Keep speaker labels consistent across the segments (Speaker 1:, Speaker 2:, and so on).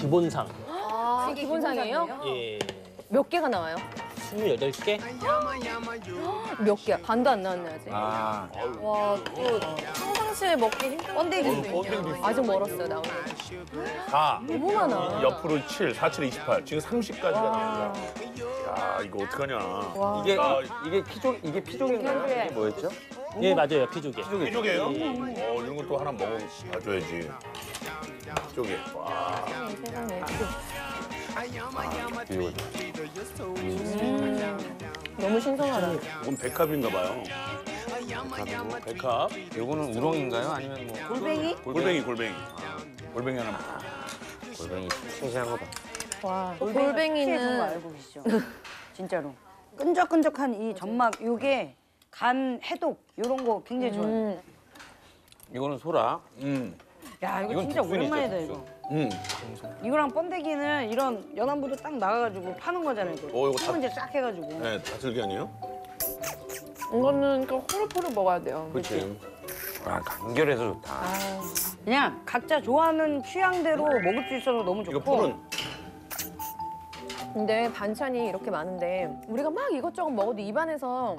Speaker 1: 기본상.
Speaker 2: 아, 기본상이에요?
Speaker 1: 예.
Speaker 2: 몇 개가 나와요?
Speaker 1: 28개?
Speaker 2: 몇 개야? 반도 안 나왔네 아직.
Speaker 3: 아,
Speaker 2: 와, 또 평상시에 먹기 힘든 번데기. 아직 멀었어요, 나오는.
Speaker 4: 4.
Speaker 2: 너무 많아.
Speaker 4: 옆으로 7, 4, 7, 28. 지금 30까지가 나옵니다. 야, 이거 어떡하냐.
Speaker 3: 이게 피조개인가요? 이게 뭐였죠?
Speaker 1: 예, 맞아요. 피조개.
Speaker 4: 피조개예요? 이런 것도 하나 먹어봐줘야지. 피조개. 와.
Speaker 2: 세상에.
Speaker 3: 피조개.
Speaker 2: 너무 신선하다.
Speaker 4: 이건 백합인가 봐요. 백합.
Speaker 3: 요거는 우렁인가요? 아니면 뭐
Speaker 2: 골뱅이?
Speaker 4: 골뱅이. 골뱅이 하나.
Speaker 3: 골뱅이 싱싱한 거 봐.
Speaker 2: 와,
Speaker 5: 피해 좋은 거
Speaker 2: 골뱅이는
Speaker 5: 알고 계시죠? 진짜로. 끈적끈적한 이 점막 요게 간 해독 요런 거 굉장히 좋아요.
Speaker 3: 이거는 소라.
Speaker 5: 야 이거
Speaker 3: 이건
Speaker 5: 진짜
Speaker 3: 국순이죠,
Speaker 5: 오랜만이다
Speaker 3: 국순.
Speaker 5: 이거. 이거랑 번데기는 이런 연안부도 딱 나가가지고 파는 거잖아요. 이거.
Speaker 4: 이거 다-
Speaker 5: 소문제 싹 해가지고.
Speaker 4: 네, 다슬기 아니에요?
Speaker 6: 이거는 그 호로호로 먹어야 돼요.
Speaker 4: 그렇지.
Speaker 3: 아, 간결해서 좋다.
Speaker 5: 그냥 각자 좋아하는 취향대로 먹을 수 있어서 너무
Speaker 4: 이거
Speaker 5: 좋고.
Speaker 4: 푸른.
Speaker 2: 근데 반찬이 이렇게 많은데 우리가 막 이것저것 먹어도 입안에서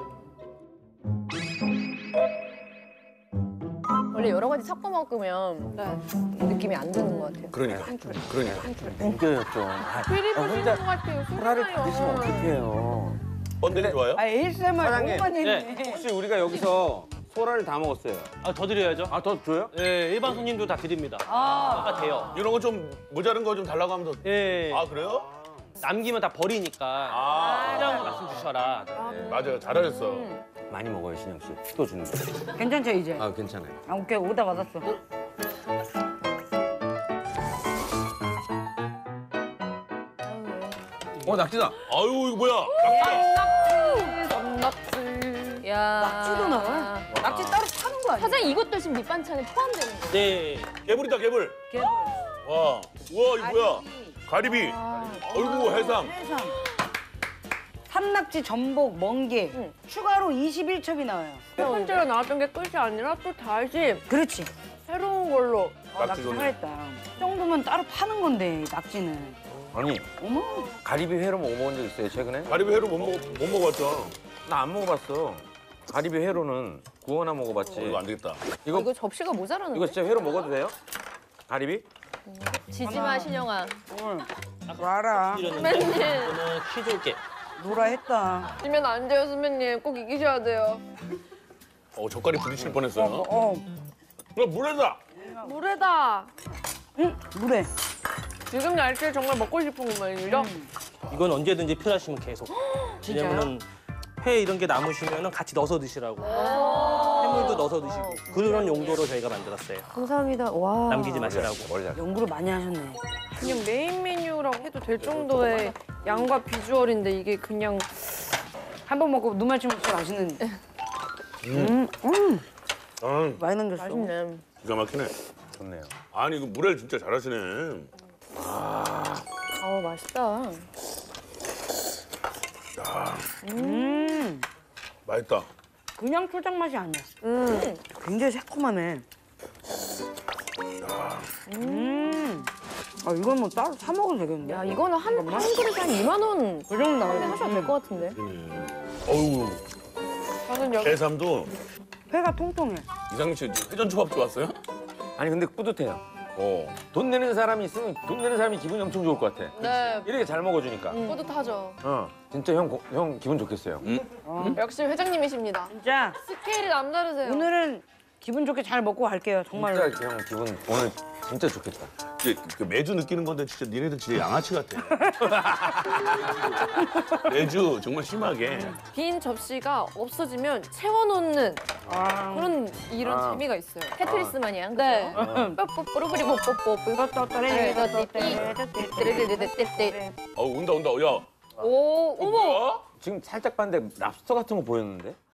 Speaker 2: 원래 여러 가지 섞어 먹으면 느낌이 안 드는 것 같아요.
Speaker 4: 그러니까.
Speaker 3: 땡겨였죠.
Speaker 6: 피리 보시는 것 같아요.
Speaker 3: 소라를 받으시면
Speaker 6: 소라요.
Speaker 3: 어떡해요.
Speaker 4: 번데기 좋아요?
Speaker 5: 아 ASMR
Speaker 3: 사장님.
Speaker 5: 너무 많이 했네.
Speaker 3: 혹시 우리가 여기서 소라를 다 먹었어요.
Speaker 1: 아, 더 드려야죠.
Speaker 3: 아, 더 줘요?
Speaker 1: 예, 일반 손님도 다 드립니다. 아, 돼요.
Speaker 4: 이런 거 좀 모자른 거 좀 달라고 하면 더.
Speaker 1: 예.
Speaker 4: 아, 그래요?
Speaker 1: 남기면 다 버리니까.
Speaker 4: 아.
Speaker 1: 필요한 거 말씀 주셔라.
Speaker 4: 맞아요. 잘하셨어.
Speaker 3: 많이 먹어요, 신영 씨. 또 주는 거.
Speaker 5: 괜찮죠 이제?
Speaker 3: 아, 괜찮아요.
Speaker 5: 아 오케이 오다 받았어.
Speaker 3: 낙지다.
Speaker 4: 아유, 이거 뭐야?
Speaker 6: 낙지.
Speaker 2: 야,
Speaker 5: 낙지도 나와? 낙지 따로 파는 거 아니야?
Speaker 2: 사장님 이것도 지금 밑반찬에 포함되는 거예요?
Speaker 1: 네.
Speaker 4: 개불이다, 개불.
Speaker 5: 개불.
Speaker 4: 와, 우와, 이거 뭐야? 가리비. 어이구, 해삼.
Speaker 5: 해삼. 산낙지, 전복, 멍게 추가로 21첩이 나와요.
Speaker 6: 첫 번째로 나왔던 게 끝이 아니라 또 다시
Speaker 5: 그렇지.
Speaker 6: 새로운 걸로.
Speaker 5: 낙지
Speaker 4: 낙지 좋네.
Speaker 5: 살아있다. 이 정도면 따로 파는 건데 낙지는.
Speaker 3: 아니,
Speaker 5: 어머.
Speaker 3: 가리비 회로 먹어본 적 있어요, 최근에?
Speaker 4: 가리비 회로 못 먹어봤죠.
Speaker 3: 나 안 먹어봤어. 가리비 회로는 구워나 먹어봤지.
Speaker 4: 이거 안 되겠다.
Speaker 2: 이거 접시가 모자라는데?
Speaker 3: 이거 진짜 회로 먹어도 돼요? 가리비?
Speaker 2: 지지마, 신영아.
Speaker 5: 와라.
Speaker 1: 드렸는데 저는 피조개.
Speaker 5: 노라 했다.
Speaker 6: 지면 안 돼요, 선배님. 꼭 이기셔야 돼요.
Speaker 4: 젓갈이 부딪힐 뻔했어요. 이거 물에다.
Speaker 6: 물에다.
Speaker 5: 물에.
Speaker 6: 지금 날씨에 정말 먹고 싶은 것만이죠?
Speaker 1: 이건 언제든지 필요하시면 계속. 왜냐면은 회 이런 게 남으시면 같이 넣어서 드시라고. 해물도 넣어서 드시고. 그런 용도로 저희가 만들었어요.
Speaker 2: 감사합니다. 와.
Speaker 1: 남기지 마시라고.
Speaker 3: 머리 잘.
Speaker 5: 연구를 많이 하셨네.
Speaker 6: 그냥 메인 메뉴라고 해도 될 정도의 양과 비주얼인데 이게 그냥
Speaker 5: 한 번 먹고 눈 맞추면 진짜 맛있는. 많이 남겼어.
Speaker 2: 맛있네.
Speaker 4: 기가 막히네.
Speaker 3: 좋네요.
Speaker 4: 아니, 이거 물에 진짜 잘하시네.
Speaker 2: 아우, 맛있다.
Speaker 4: 맛있다.
Speaker 5: 그냥 초장 맛이 아니야. 굉장히 새콤하네. 아 이건 뭐 따로 사 먹어도 되겠는데?
Speaker 2: 야, 이거는 한 그릇에 한 2만 원
Speaker 5: 그 정도 나오네.
Speaker 2: 하셔도 될 것 같은데.
Speaker 4: 어우,
Speaker 6: 저는 여기
Speaker 4: 해삼도
Speaker 5: 회가 통통해.
Speaker 4: 이상민 씨 회전 초밥 좋았어요?
Speaker 3: 아니, 근데 뿌듯해요.
Speaker 4: 어.
Speaker 3: 돈 내는 사람이 있으면 돈 내는 사람이 기분이 엄청 좋을 것 같아.
Speaker 6: 네,
Speaker 3: 이렇게 잘 먹어주니까.
Speaker 6: 뿌듯하죠.
Speaker 3: 진짜 형 기분 좋겠어요.
Speaker 6: 역시 회장님이십니다.
Speaker 5: 진짜
Speaker 6: 스케일이 남다르세요.
Speaker 5: 오늘은 기분 좋게 잘 먹고 갈게요. 정말로.
Speaker 3: 진짜 형 기분 오늘 진짜 좋겠다.
Speaker 4: 이제 그 매주 느끼는 건데 진짜 니네들 진짜 양아치 같아. 매주 정말 심하게.
Speaker 6: 빈 접시가 없어지면 채워놓는
Speaker 5: 아,
Speaker 6: 그런 이런
Speaker 3: 아.
Speaker 6: 재미가 있어요.
Speaker 2: 테트리스 마냥.
Speaker 6: 네.
Speaker 2: 뽀뽀뽀뽀뽀뽀
Speaker 4: 온다. 야.
Speaker 6: 오, 어머.
Speaker 4: 뭐야?
Speaker 3: 지금 살짝 봤는데 랍스터 같은 거 보였는데?